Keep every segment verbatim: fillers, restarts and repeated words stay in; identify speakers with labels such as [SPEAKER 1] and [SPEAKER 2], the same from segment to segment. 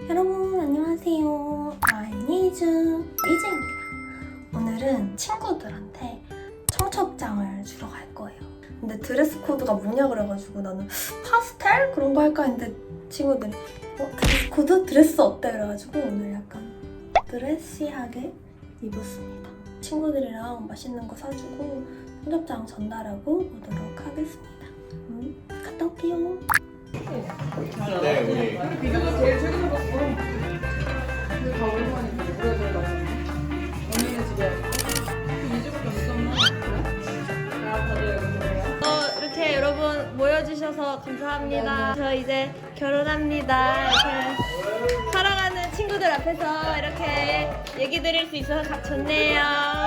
[SPEAKER 1] 여러분 안녕하세요. 아이니즈 이지입니다. 오늘은 친구들한테 청첩장을 주러 갈 거예요. 근데 드레스 코드가 뭐냐 그래가지고 나는 파스텔 그런 거 할까 했는데 친구들이 어? 드레스 코드? 드레스 어때? 그래가지고 오늘 약간 드레시하게 입었습니다. 친구들이랑 맛있는 거 사주고 청첩장 전달하고 오도록 하겠습니다. 음, 갔다 올게요.
[SPEAKER 2] 네, 우리
[SPEAKER 3] 비교가 제일 최근에 봤어. 근데 다 오랜만이지. 오래돼가지고. 언니는 집에 이 주밖에 없었나? 그래? 야, 다들 그래요?
[SPEAKER 4] 어, 이렇게 여러분 모여주셔서 감사합니다. 저 이제 결혼합니다. 이렇게 사랑하는 친구들 앞에서 이렇게 얘기 드릴 수 있어서 가- 좋네요.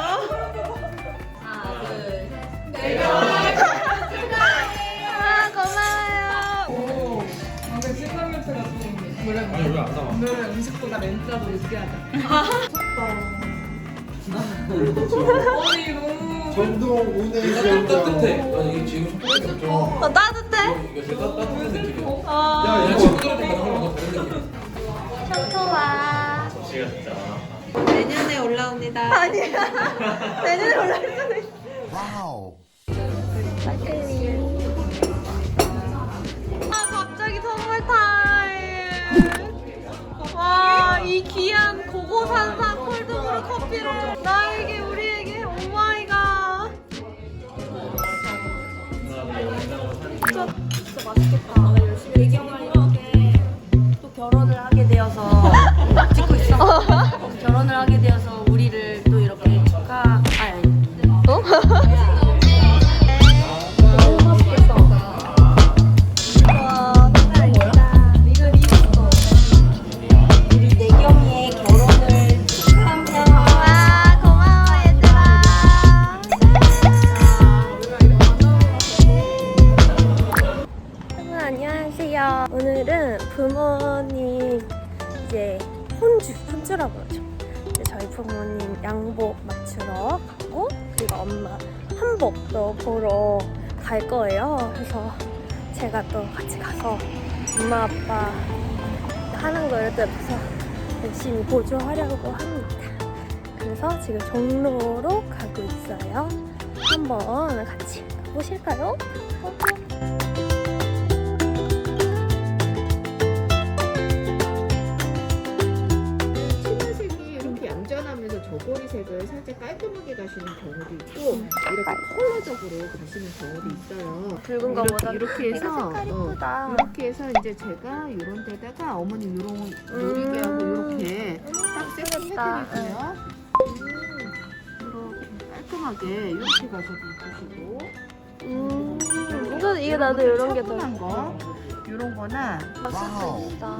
[SPEAKER 4] 하나, 둘, 셋. 아, 고마워요.
[SPEAKER 3] 오, 방금 신랑 멘트가 좀 노래
[SPEAKER 2] 아니 왜안 나와?
[SPEAKER 3] 오늘은 음식보다 멘트라도 느끼하자. 아니 너무
[SPEAKER 5] 전동 운행
[SPEAKER 2] 따뜻해.
[SPEAKER 5] 시험장.
[SPEAKER 2] 아니 이게 지금 첫 번째 좀
[SPEAKER 4] 어, 따뜻해?
[SPEAKER 2] 이게 따- 따뜻한 느낌이야.
[SPEAKER 4] 어,
[SPEAKER 2] 야,
[SPEAKER 5] 이거-
[SPEAKER 2] 친구들한테 가는 거랑 다른 느낌.
[SPEAKER 4] 청소와.
[SPEAKER 2] 지가 진짜.
[SPEAKER 4] 내년에 올라옵니다. 아니야. 내년에 올라올 수도 있어.
[SPEAKER 5] 와우.
[SPEAKER 4] 아, 갑자기 선물 타임. 와, 이 귀한 고고산산 콜드브루 커피를 나에게, 우리에게, 오마이갓. 진짜, 진짜 맛있겠다. 배경을 이렇게 또 결혼을 하게 되어서 찍고 있어. 결혼을 하게 되어서 우리를 또 이렇게 축하. 아니, 아니. 어?
[SPEAKER 1] 우리 내경이의 결혼을 축하합니다.
[SPEAKER 4] 와, 고마워 얘들아. 여러분 안녕하세요. 오늘은 부모님 이제 혼주, 혼주라고 그러죠. 이제 저희 부모님 양복 맞추러 가고 그리고 엄마 한복도 보러 갈 거예요. 그래서 제가 또 같이 가서 엄마 아빠 하는 거를 또 옆에서 열심히 보조하려고 합니다. 그래서 지금 종로로 가고 있어요. 한번 같이 가보실까요?
[SPEAKER 6] 치마색이 이렇게 얌전하면서 저고리색을 살짝 깔끔하게 가시는 경우도 있고 이렇게 컬러적으로 가시는 경우도 있어요.
[SPEAKER 4] 붉은
[SPEAKER 6] 이렇게,
[SPEAKER 4] 거보다
[SPEAKER 6] 이렇게
[SPEAKER 4] 이거
[SPEAKER 6] 해서
[SPEAKER 4] 색깔
[SPEAKER 6] 어,
[SPEAKER 4] 이쁘다.
[SPEAKER 6] 이렇게 해서 이제 제가 이런 데다가 어머니 이런 노리게 하고 이렇게 딱
[SPEAKER 4] 예쁘겠다.
[SPEAKER 6] 세팅해드릴게요. 이렇게 깔끔하게 이렇게 가셔도 이쁘시고
[SPEAKER 4] 음, 이거 이게 나도 이런 게 더
[SPEAKER 6] 차분한 거 이런 거나
[SPEAKER 5] 와우.
[SPEAKER 4] 맛있다.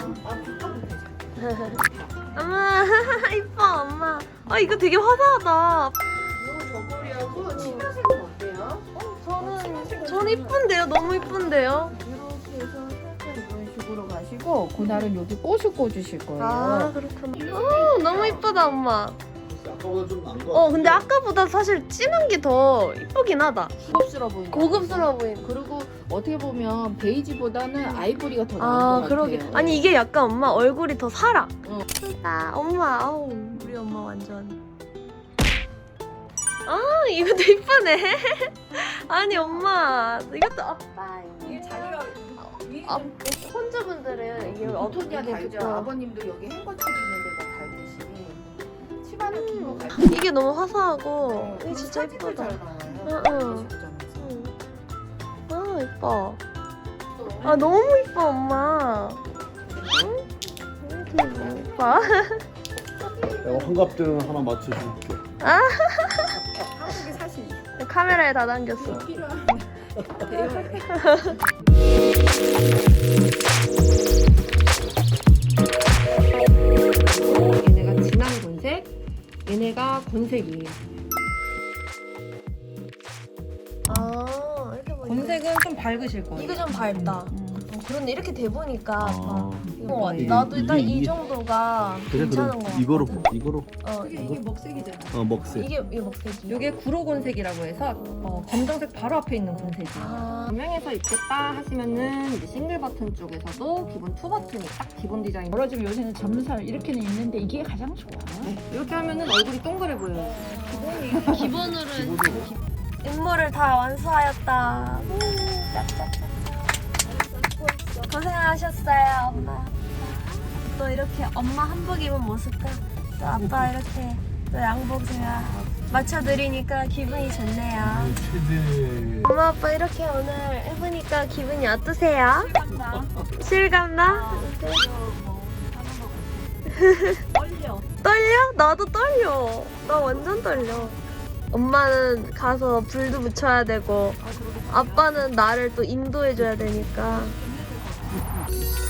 [SPEAKER 4] 엄마 이뻐 엄마. 아 이거 되게 화사하다.
[SPEAKER 6] 이거 저고리하고 치마색은 어때요?
[SPEAKER 4] 저는 저는 이쁜데요. 너무 이쁜데요.
[SPEAKER 6] 이렇게 해서 살짝 이런 식으로 가시고 그날은 여기 꽃을 꽂으실 거예요.
[SPEAKER 4] 아 그렇구나. 오 너무 이쁘다 엄마.
[SPEAKER 5] 아까보다 좀 나은 거
[SPEAKER 4] 어 근데 아까보다 사실 진한 게 더 이쁘긴 하다.
[SPEAKER 6] 고급스러워 보이는.
[SPEAKER 4] 고급스러워 보이는.
[SPEAKER 6] 그리고 어떻게 보면 베이지보다는 아이보리가 더 나은
[SPEAKER 4] 아
[SPEAKER 6] 것
[SPEAKER 4] 그러게.
[SPEAKER 6] 같아요.
[SPEAKER 4] 아니 이게 약간 엄마 얼굴이 더 살아.
[SPEAKER 6] 어.
[SPEAKER 4] 예쁘다. 엄마 아우 우리 엄마 완전. 아 이것도 이쁘네. 아니 엄마 이것도 아빠
[SPEAKER 3] 이게 자기가
[SPEAKER 4] 아, 혼주분들은 이게
[SPEAKER 6] 어떻게
[SPEAKER 4] 어떻게
[SPEAKER 6] 달죠?
[SPEAKER 4] 되죠?
[SPEAKER 6] 아버님도 여기 행거칠 있는 데다 달듯이 치마를 긴거 달죠.
[SPEAKER 4] 이게 너무 화사하고 이게 진짜
[SPEAKER 6] 사진도
[SPEAKER 4] 예쁘다.
[SPEAKER 6] 잘 나와요.
[SPEAKER 4] 응, 응.
[SPEAKER 6] 식점에서.
[SPEAKER 4] 응. 아 예뻐. 아 너무 예뻐 엄마. 응? 이렇게 너무 예뻐.
[SPEAKER 5] 내가 환갑등 하나 맞춰줄게.
[SPEAKER 6] 한국의 사실
[SPEAKER 4] 카메라에 다 담겼어.
[SPEAKER 6] 필요한 대여해.
[SPEAKER 7] 얘네가 진한 건색, 얘네가 건색이에요.
[SPEAKER 4] 아 이렇게 보니까
[SPEAKER 7] 건색은 좀 밝으실 거예요.
[SPEAKER 4] 이거 좀 밝다.
[SPEAKER 7] 음, 좀
[SPEAKER 1] 그런데 이렇게 돼 보니까
[SPEAKER 5] 아.
[SPEAKER 1] 어,
[SPEAKER 5] 이게-
[SPEAKER 1] 나도 딱
[SPEAKER 5] 이게-
[SPEAKER 1] 이
[SPEAKER 5] 이게-
[SPEAKER 1] 정도가
[SPEAKER 5] 그래
[SPEAKER 1] 괜찮은
[SPEAKER 5] 그럼
[SPEAKER 1] 거 같아.
[SPEAKER 5] 이거로 이거로
[SPEAKER 1] 어,
[SPEAKER 3] 이게 이게 먹색이잖아.
[SPEAKER 5] 어 먹세.
[SPEAKER 1] 이게 이게 먹색이.
[SPEAKER 7] 이게 구로곤색이라고 해서 어, 검정색 바로 앞에 있는 곤색이에요.
[SPEAKER 1] 아,
[SPEAKER 7] 분명해서 입겠다 하시면은 이제 싱글 버튼 쪽에서도 기본 투 버튼이 딱 기본 디자인.
[SPEAKER 8] 멀어지면 요새는 젊은 사람 이렇게는 있는데 이게 가장 좋아.
[SPEAKER 7] 네, 이렇게 하면은 얼굴이 동그래 보여요.
[SPEAKER 1] 기본으로는 임무를 다 완수하였다. 고생하셨어요, 엄마. 또 이렇게 엄마 한복 입은 모습과 또 아빠 이렇게 또 양복 제가 맞춰드리니까 기분이 좋네요. 엄마 아빠 이렇게 오늘 해보니까 기분이 어떠세요? 실감나?
[SPEAKER 4] 떨려.
[SPEAKER 1] 떨려? 나도 떨려. 나 완전 떨려. 엄마는 가서 불도 붙여야 되고 아빠는 나를 또 인도해줘야 되니까